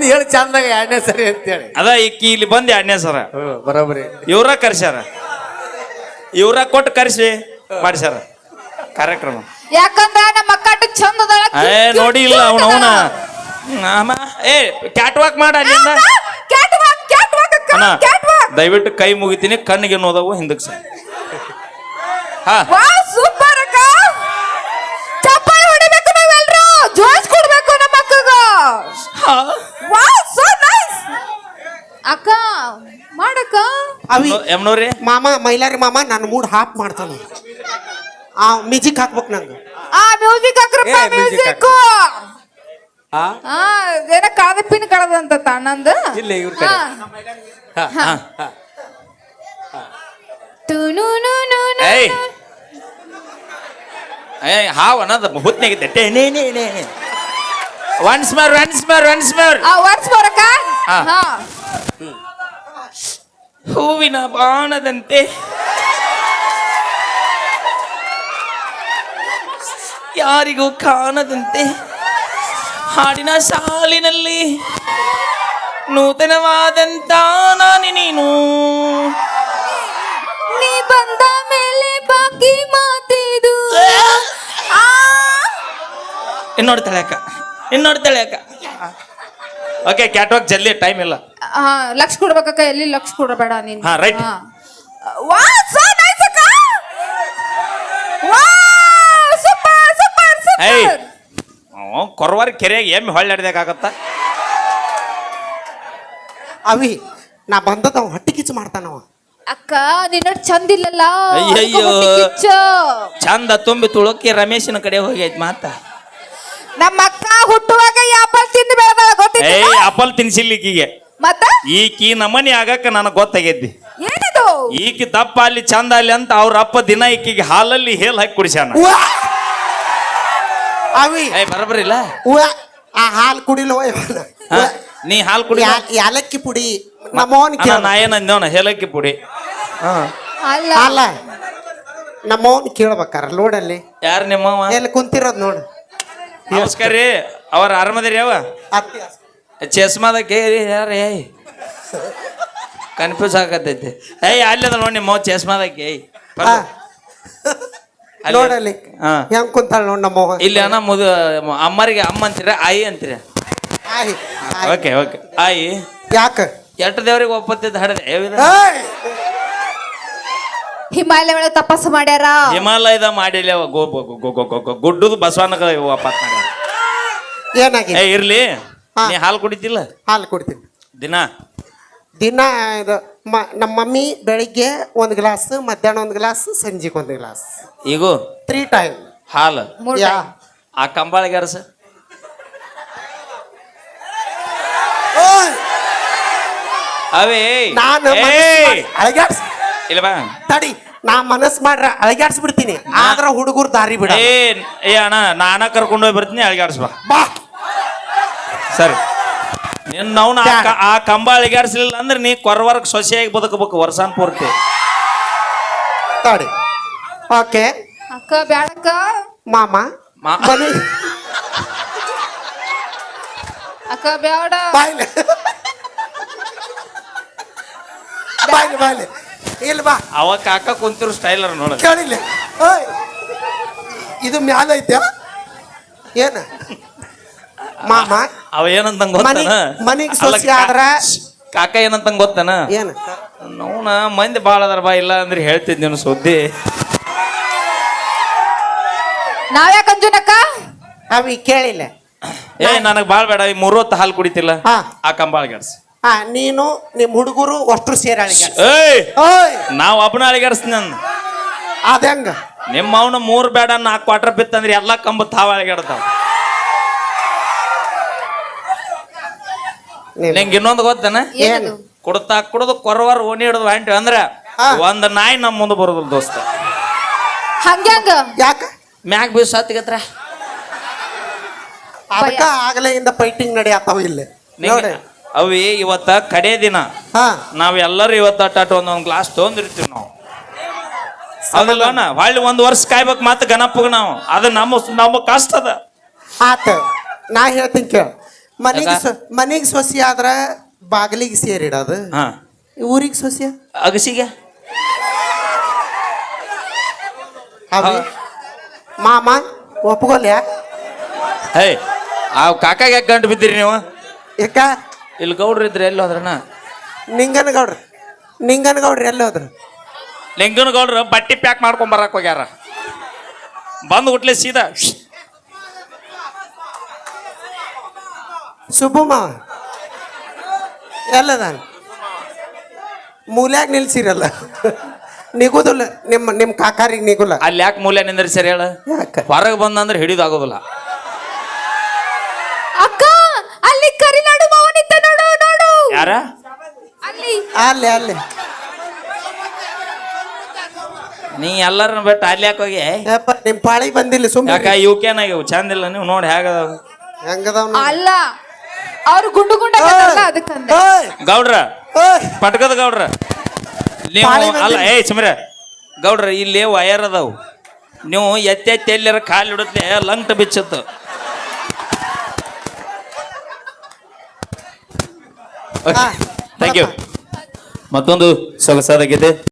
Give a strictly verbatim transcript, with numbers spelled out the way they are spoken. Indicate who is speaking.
Speaker 1: ಮಂದಿ ಹೇಳಿ ಚಂದಾಗ ಎರಡನೇ ಸರಿ ಅಂತೇಳಿ
Speaker 2: ಅದ ಈಕಿ ಇಲ್ಲಿ ಬಂದ್ ಎರಡನೇ ಸರ
Speaker 1: ಬರೋಬರಿ
Speaker 2: ಇವ್ರ ಕರ್ಸ್ಯಾರ ಇವ್ರ ಕೊಟ್ಟು ಕರ್ಸಿ ಮಾಡ್ಸ್ಯಾರ ಕಾರ್ಯಕ್ರಮ.
Speaker 3: ಯಾಕಂದ್ರ ನಮ್ಮ ಅಕ್ಕ ಚಂದ ಅದಾಳ.
Speaker 2: ಏ ನೋಡಿ ಇಲ್ಲ ಅವನವನ ಏ ಕ್ಯಾಟ್ ವಾಕ್ ಮಾಡ ಅಲ್ಲಿಂದ.
Speaker 3: ಕ್ಯಾಟ್ ವಾಕ್ ಕ್ಯಾಟ್ ವಾಕ್ ಅಕ್ಕ
Speaker 2: ಅಣ್ಣ
Speaker 3: ಕ್ಯಾಟ್ ವಾಕ್.
Speaker 2: ದಯವಿಟ್ಟು ಕೈ ಮುಗಿತೀನಿ, ಕಣ್ಣಿಗೆ ನೋದವು ಹಿಂದಕ್ಕೆ ಸರ್. ಹಾ
Speaker 3: ವಾ ಸೂಪರ್ ಅಕ್ಕ. ಚಪ್ಪಾಳೆ ಹೊಡಿಬೇಕು ನಾವೆಲ್ಲರೂ, ಜೋಶ್ ಕೊಡ್ಬೇಕು ನಮ್ಮ ಅಕ್ಕಗ. ವಾ ಸೋ ನೈಸ್ ಅಕ್ಕ ಮಾಡಕ್ಕ.
Speaker 1: ಅವಿ
Speaker 2: ಎಮ್ನೋರಿ
Speaker 1: ಮಾಮ ಮೈಲಾರಿ ಮಾಮ ನನ್ನ ಮೂಡ್ ಹಾಪ್ ಮಾಡ್ತಾನ. ಆ ಮ್ಯೂಸಿಕ್ ಹಾಕ್ಬೇಕು ನಂಗೆ.
Speaker 3: ಆ ಮ್ಯೂಸಿಕ್ ಹಾಕ್ರಪ್ಪ
Speaker 1: ಏ, music
Speaker 3: ಮ್ಯೂಸಿಕ್.
Speaker 1: ಆ
Speaker 3: ಆ ಏನ ಕಳದ ಪಿನ್ ಕಳದಂತ ತಣ್ಣಂದು.
Speaker 1: ಇಲ್ಲ ಇವ್ರ ಕಡೆ ಹಾ
Speaker 2: ಹಾ ಏಯ್ ಏಯ್ ಹಾವ್ ಅನ್ನೋದು ಹುತ್ನಾಗಿದ್ದೆ ಟೇ ನೇ ನೇ ನೇ once more once more once more.
Speaker 3: ಆ ವರ್ಸ್ ಬರಕ.
Speaker 2: ಹಾ.
Speaker 3: ಹಾ
Speaker 2: ಹೂವಿನ ಬಾಣದಂತೆ ಯಾರಿಗೂ ಕಾಣದಂತೆ ಹಾಡಿನ ಸಾಲಿನಲ್ಲಿ ನೂತನವಾದಂತ ನಾನಿ ನೀನು
Speaker 3: ನೀ ಬಂದ ಮೇಲೆ ಬಾಕಿ ಮಾತಿದು.
Speaker 2: ಇನ್ನೋಡ್ತಾಳೆ ಅಕ್ಕ ಇನ್ನೋಡ್ತಾಳೆ ಅಕ್ಕ. ಓಕೆ ಕ್ಯಾಟ್ವಾಕ್ ಜಲ್ದಿ ಟೈಮ್ ಇಲ್ಲ.
Speaker 3: ಆ ಲಕ್ಷ ಕೊಡ್ಬೇಕಕ್ಕ, ಎಲ್ಲಿ ಲಕ್ಷ ಕೊಡಬೇಡ ನೀನು.
Speaker 2: ಹಾ, right.
Speaker 3: ವಾ ಸೋ ನೈಸ್ ಅಕ್ಕ. ವಾ ಸೂಪರ್ ಸೂಪರ್
Speaker 2: ಏಯ್
Speaker 3: ಸೂಪರ್.
Speaker 2: ಕೊರವಾರ ಕೆರೆಯಾಗ ಎಮ್ಮೆ ಹೊಳ್ಳಾಡ್ದಾಗತ್ತ.
Speaker 1: ಅವಿ ನಾ ಬಂದದ ಅವ ಹೊಟ್ಟಿ ಕಿಚ್ಚು ಮಾಡ್ತಾನವ.
Speaker 3: ಅಕ್ಕ ನಿನ್ನ ಚಂದ ಇಲ್ಲಲ್ಲ.
Speaker 2: ಅಯ್ಯಯ್ಯೋ.
Speaker 3: ಅದಕ್ಕೆ ಹೊಟ್ಟೆ ಕಿಚ್ಚು.
Speaker 2: ಚಂದ ತುಂಬಿ ತುಳುಕಿ ರಮೇಶನ ಕಡೆ ಹೋಗೈತ್ ಮಾತ.
Speaker 3: ನಮ್ಮ ಅಕ್ಕ ಹುಟ್ಟುವಾಗ ಆಪಲ್ ತಿಂದು ಬೆಳೆದಾಳ ಗೊತ್ತಿಲ್ಲ.
Speaker 2: ಏಯ್ ಆಪಲ್ ತಿನ್ಸಿಲ್ಲ ಈಕಿಗೆ.
Speaker 3: ಮತ್ತ
Speaker 2: ಈಕಿ ನಮನಿ ಆಗಕ್ಕ ನನಗೆ ಗೊತ್ತಾಗೈತಿ.
Speaker 3: ಏನದು?
Speaker 2: ಈಕಿ ದಪ್ಪ ಅಲ್ಲಿ ಚಂದ ಅಲ್ಲಿ ಅಂತ ಅವ್ರ ಅಪ್ಪ ದಿನ ಈಕಿಗೆ ಹಾಲಲ್ಲಿ ಹೇಲ್ ಹಾಕಿ ಕುಡಿಸ್ಯಾನ.
Speaker 1: ಅವಿ
Speaker 2: ಏಯ್ ಬರಬರಿಲ್ಲ.
Speaker 1: ಉವ್ವ, ಆ ಹಾಲು ಕುಡಿಲವ
Speaker 2: ಹಾ, ನೀ ಹಾಲು ಕುಡಿ.
Speaker 1: ಯಾಲಕ್ಕಿ ಪುಡಿ ನಮ್ಮವನ್ ಕೇಳ.
Speaker 2: ನಾ ಏನಂದೇವನ ಹೇಲಕ್ಕಿ ಪುಡಿ. ಹಾ
Speaker 3: ಅಲ್ಲ
Speaker 1: ಅಲ್ಲ ನಮ್ಮವನ್ ಕೇಳ್ಬೇಕಾರ ಲೋಡಲ್ಲಿ
Speaker 2: ಯಾರು ನಿಮ್ಮವ?
Speaker 1: ಎಲ್ಲಿ ಕುಂತಿರೋದ್ ನೋಡು.
Speaker 2: ನಮಸ್ಕಾರ ರೀ, ಅವ್ರ ಆರಾಮದಿರಿ ಯಾವ
Speaker 1: ಅತ್ತಿ
Speaker 2: ಚಸ್ಮಾದ ಕೇರಿ ಯಾರು? ಏಯ್ ಕನ್ಫ್ಯೂಸ್ ಆಗತೈತಿ. ಏಯ್ ಅಲ್ಲದ ನೋಡಿ ನಿಮ್ಮ ಚಸ್ಮಾದಕ್ಕೆ. ಏಯ್
Speaker 1: ಹಾ. ನೋಡಲ್ಲಿ
Speaker 2: ಹಾ
Speaker 1: ಹೆಂಗ್ ಕುಂತಾಳ ನೋಡ್ ನಮ್ಮವ.
Speaker 2: ಇಲ್ಲಿ ಅಣ್ಣ ಮುದು ಅಮ್ಮರಿಗೆ ಅಮ್ಮ ಅಂತೀರ ಆಯಿ ಅಂತೀರ?
Speaker 1: ಆಯ್, ಆಯ್.
Speaker 2: ಓಕೆ ಓಕೆ ಆಯಿ.
Speaker 1: ಯಾಕ
Speaker 2: ಎಟ್ಟು ದೇವ್ರಿಗೆ ಒಪ್ಪತ್ತಿದ್ದು ಹಡದೆ
Speaker 1: ಏಯ್!
Speaker 3: ಹಿಮಾಲಯ ಒಳಗೆ ತಪಸ್ಸು ಮಾಡ್ಯಾರ.
Speaker 2: ಹಿಮಾಲಯದ ಮಾಡಿಲ್ಲ ಗೋ ಗುಡ್ಡದು ಬಸವನ ವಾಪಸ್ ಮಾಡ್ಯಾರ.
Speaker 1: ಏನಾಗಿ
Speaker 2: ಏ ಇರ್ಲಿ,
Speaker 1: ಹಾ.
Speaker 2: ನೀ ಹಾಲು ಕುಡಿತಿಲ್ಲ
Speaker 1: ಹಾಲು ಕುಡ್ತೀನಿ
Speaker 2: ದಿನ?
Speaker 1: ದಿನ ಇದು ಮ ನಮ್ಮ ಮಮ್ಮಿ ಬೆಳಿಗ್ಗೆ ಒಂದು ಗ್ಲಾಸ್, ಮಧ್ಯಾಹ್ನ ಒಂದು ಗ್ಲಾಸ್, ಸಂಜೆಗೆ ಒಂದು ಗ್ಲಾಸ್,
Speaker 2: ಈಗ
Speaker 1: ತ್ರೀ ಟೈಮ್
Speaker 2: ಹಾಲು.
Speaker 3: ಮೂರ್
Speaker 1: ಯಾ
Speaker 3: time.
Speaker 2: ಆ ಕಂಬಾಳಿಗೆ ಅರಸ ಅವೇ
Speaker 1: ನಾನು
Speaker 2: ಏಯ್!
Speaker 1: ಅಳಗ್ಯಾಡ್ಸ್
Speaker 2: ಇಲ್ಲ ಬಾ
Speaker 1: ತಡಿ, ನಾ ಮನಸ್ ಮಾಡ್ರ ಅಳಗ್ಯಾಡ್ಸ್ ಬಿಡ್ತೀನಿ, ಆದ್ರ ಹುಡುಗರು ದಾರಿ ಬಿಡ.
Speaker 2: ಏ ಏ ಅಣ್ಣ ನಾನ ಕರ್ಕೊಂಡು ಹೋಗಿ ಬರ್ತೀನಿ, ಅಳಿಗಾಡ್ಸ್ ಬಾ.
Speaker 1: ಬಾ
Speaker 2: ಸರಿ ನಿನ್ನ ನಾವು ಆ ಕಂಬ ಅಳಿಗಾಡ್ಸ್ಲಿಲ್ಲ ಅಂದ್ರೆ ನೀ ಕೊರವರ್ಗ ಸೊಸೆಯಾಗಿ ಬದುಕಬೇಕು ವರ್ಷಾನ್ ಪೂರ್ತಿ.
Speaker 1: ತಡಿ. ಓಕೆ
Speaker 3: ಅಕ್ಕ ಬ್ಯಾಡಕ್ಕ.
Speaker 1: ಮಾಮ
Speaker 2: ಮಾ-
Speaker 1: ಮನೆ
Speaker 3: ಅಕ್ಕ ಬ್ಯಾಡ.
Speaker 1: ಬಾಯ್ಲೆ ಬಾಯ್ಲೆ ಬಾಯ್ಲೆ ಇಲ್ಲ ಬಾ
Speaker 2: ಅವ ಕಾಕ ಕುಂತಿರೋ ಸ್ಟೈಲರ್ ನೋಡ.
Speaker 1: ಕೇಳಿಲ್ಲ. ಓಯ್ ಇದು ಮ್ಯಾಲ ಐತೆ ಏನ ಮಾಮ?
Speaker 2: ಅವ ಏನಂತ ಗೊತ್ತಾನ?
Speaker 1: ಮನಿಗ್ ಸೊಸಿ ಆದ್ರ
Speaker 2: ಕಾಕ ಏನಂತ ಗೊತ್ತಾನ?
Speaker 1: ಏನ
Speaker 2: ನೋನ ಮಂದಿ ಬಾಳ ಅದಾರ ಬಾ, ಇಲ್ಲ ಅಂದ್ರೆ ಹೇಳ್ತಿದ್ದೆ ಸುದ್ದಿ.
Speaker 3: ನಾವ್ಯಾಕ ಅಂಜುನಕ್ಕ?
Speaker 1: ಅವಿ ಕೇಳಿಲ್ಲ.
Speaker 2: ಏ ನನಗ್ ಬಾಳ್ ಬೇಡ, ಈ ಮೂರು ಹೊತ್ತು ಹಾಲು ಕುಡಿತಿಲ್ಲ,
Speaker 1: ಹಾ.
Speaker 2: ಆ ಕಂಬಾಳಿಗಾಡ್ಸ್.
Speaker 1: ಹಾ, ನೀನು ನಿಮ್ ಹುಡುಗರು ಅಷ್ಟು ಸೇರಿ ಅಳಿಗ್ಯಾಡ್ಸ್.
Speaker 2: ಏಯ್
Speaker 1: ಓಯ್
Speaker 2: ನಾವ್ ಒಬ್ಬನ ಅಳಿಗಾಡ್ಸ್ತೀನಿ ನಾನು.
Speaker 1: ಅದಂಗ
Speaker 2: ನಿಮ್ಮ ಅವನ ಮೂರ್ ಬೇಡ ನಾಲ್ಕು ಕ್ವಾರ್ಟರ್ ಬಿತ್ತಂದ್ರೆ ಎಲ್ಲಾ ಕಂಬ ತಾವ ಅಳಿಗಾಡ್ತಾವ. ನಿಂಗೆ ಇನ್ನೊಂದು ಗೊತ್ತೇನ?
Speaker 3: ಏನದು?
Speaker 2: ಕುಡ್ತಾ ಕುಡ್ದು ಕೊರವಾರ ಓಣಿ ಹಿಡಿದು ಹೊಂಟಿವಿ ಅಂದ್ರ
Speaker 1: ಹಾ.
Speaker 2: ಒಂದ್ ನಾಯಿ ನಮ್ ಮುಂದೆ ಬರೋದಿಲ್ಲ ದೋಸ್ತ.
Speaker 3: ಹಂಗ್ಯಾಂಗ?
Speaker 1: ಯಾಕ
Speaker 2: ಮ್ಯಾಗ ಬೀಸ್ ಹತ್ತಿಗತ್ರ
Speaker 1: ಅದಕ್ಕ ಆಗಲೇ ಇಂದ ಫೈಟಿಂಗ್ ನಡೆಯತ್ತಾವ ಇಲ್ಲಿ ನೋಡಿ.
Speaker 2: ಅವಿ ಇವತ್ತ ಕಡೆ ದಿನ
Speaker 1: ಹಾ
Speaker 2: ನಾವ್ ಎಲ್ಲರೂ ಇವತ್ತ ಅಟ್ಟ ಒಂದೊಂದ್ ಗ್ಲಾಸ್ ತೊಗೊಂಡಿರ್ತೀವಿ ನಾವು. ಅದಲ್ಲನ ಹೊಳ್ಳಿ ಒಂದ್ ವರ್ಷ ಕಾಯ್ಬೇಕು ಮತ್ತೆ ಗಣಪಗ ನಾವು. ಅದು ನಮ್ಮ ನಮ್ಮ ಕಷ್ಟ ಅದ.
Speaker 1: ಆತ ನಾ ಹೇಳ್ತೀನಿ ಕೇಳ. ಮನಿಗೆ
Speaker 2: ಯಾಕ?
Speaker 1: ಮನಿಗೆ ಸೊಸಿ ಆದ್ರ ಬಾಗಿಲಿಗೆ ಸೇರಿಡೋದು
Speaker 2: ಹಾ
Speaker 1: ಊರಿಗೆ ಸೊಸಿ
Speaker 2: ಅಗಸಿಗೆ
Speaker 1: ಅವಿ ಮಾಮ ಒಪ್ಕೊಲ್ಯಾ
Speaker 2: ಹೇ ಆ ಕಾಕಾಗೆ ಯಾಕೆ ಗಂಟು ಬಿದ್ದೀರಿ ನೀವು
Speaker 1: ಯಾಕ
Speaker 2: ಇಲ್ಲಿ ಗೌಡ್ರು ಇದ್ರೆ ಎಲ್ಲಿ ಹೋದ್ರಣ್ಣ
Speaker 1: ನಿಂಗನಗೌಡ್ರ ನಿಂಗನಗೌಡ್ರ ಎಲ್ಲಿ ಹೋದ್ರು
Speaker 2: ಲಿಂಗನ ಗೌಡ್ರು ಬಟ್ಟೆ ಪ್ಯಾಕ್ ಮಾಡ್ಕೊಂಡ್ ಬರಕ್ ಹೋಗ್ಯಾರ ಬಂದು ಹುಟ್ಲೆ ಸೀದಾ
Speaker 1: ಸುಬ್ಬು ಮಾವ ಎಲ್ಲದ ಮೂಲ್ಯಾಗ ನಿಲ್ಸಿರಲ್ಲ ನಿಗುದಿಲ್ಲ ನಿಮ್ಮ ನಿಮ್ಮ ಕಾಕಾರಿಗೆ ನಿಗುಲ್ಲ
Speaker 2: ಅಲ್ಲಿ ಯಾಕೆ ಮೂಲೆ ನಿಂದ್ರಿ ಸರಿ ಹೇಳ
Speaker 1: ಯಾಕ
Speaker 2: ಹೊರಗೆ ಬಂದಂದ್ರೆ ಹಿಡಿದಾಗೋದಿಲ್ಲ
Speaker 3: ಅಕ್ಕ ಅಲ್ಲಿ ಕರಿನಾಡು ಮಾವನಿದ್ದ ನೋಡು ನೋಡು
Speaker 2: ಯಾರ
Speaker 3: ಅಲ್ಲಿ
Speaker 1: ಅಲ್ಲೇ ಅಲ್ಲೇ
Speaker 2: ನೀ ಎಲ್ಲರನ್ನ ಬಿಟ್ಟು ಅಲ್ಲಿ ಯಾಕೆ ಹೋಗಿ
Speaker 1: ಯಪ್ಪ ನಿಮ್ಮ ಪಾಳಿ ಬಂದಿಲ್ಲ
Speaker 2: ಯಾಕ
Speaker 1: ಸುಮ್ಮನೆ
Speaker 2: ಇವಕೇನಾಗ್ಯವು ಚಂದ ಇಲ್ಲ ನೀವು ನೋಡಿ ಹೇಗ
Speaker 1: ಹೆಂಗದವ್
Speaker 3: ಅಲ್ಲ ಅವ್ರು ಗುಂಡು ಗುಂಡ ಅದಕ್ಕಂದ
Speaker 2: ಗೌಡ್ರ ಪಟ್ಕದ ಗೌಡ್ರ ನೀವು
Speaker 1: ಪಾಳಿ ಬಂದಿಲ್ಲ.
Speaker 2: ಅಲ್ಲ ಏಯ್ ಸುಮ್ರ ಗೌಡ್ರ ಇಲ್ಲಿ ವಯರ್ ಅದಾವು ನೀವು ಎತ್ತಿ ಎತ್ತಿ ಎಲ್ಲರ ಕಾಲು ಹಿಡುತ್ತೆ ಲಂಗ್ಟ ಬಿಚ್ಚತ್ತು ಥ್ಯಾಂಕ್ ಯು ಮತ್ತೊಂದು ಸೊಗಸಾದ ಗೀತೆ